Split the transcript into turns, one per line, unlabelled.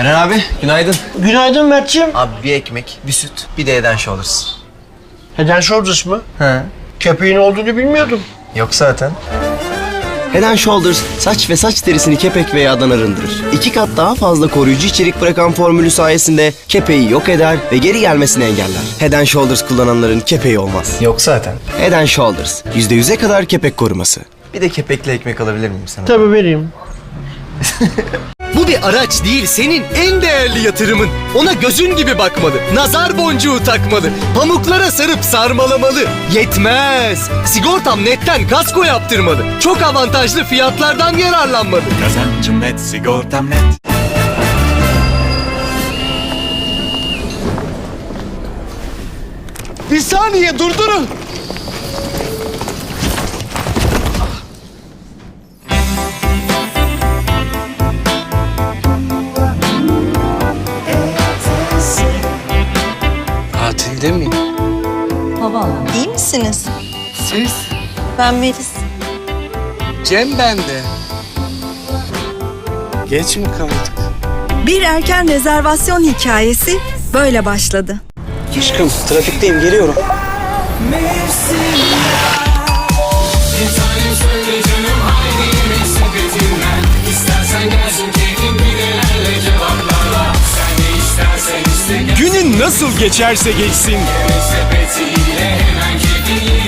Eren abi günaydın.
Günaydın Mert'ciğim.
Abi bir ekmek, bir süt, bir de Head & Shoulders.
Head & Shoulders mı?
He.
Köpeğin olduğunu bilmiyordum.
Yok zaten.
Head & Shoulders saç ve saç derisini kepek ve yağdan arındırır. 2 kat daha fazla koruyucu içerik bırakan formülü sayesinde kepeği yok eder ve geri gelmesini engeller. Head & Shoulders kullananların kepeği olmaz.
Yok zaten.
Head & Shoulders %100'e kadar kepek koruması.
Bir de kepekli ekmek alabilir miyim sana?
Tabii vereyim.
Bu bir araç değil, senin en değerli yatırımın. Ona gözün gibi bakmalı, nazar boncuğu takmalı, pamuklara sarıp sarmalamalı. Yetmez! Sigortam Net'ten kasko yaptırmalı. Çok avantajlı fiyatlardan yararlanmalı.
Kazancım net, sigortam net.
Bir saniye durdurun.
Tatilde miyim?
İyi misiniz?
Siz?
Ben Melis.
Cem bende. Geç mi kaldık?
Bir erken rezervasyon hikayesi böyle başladı.
Aşkım trafikteyim, geliyorum.
Günün nasıl geçerse geçsin.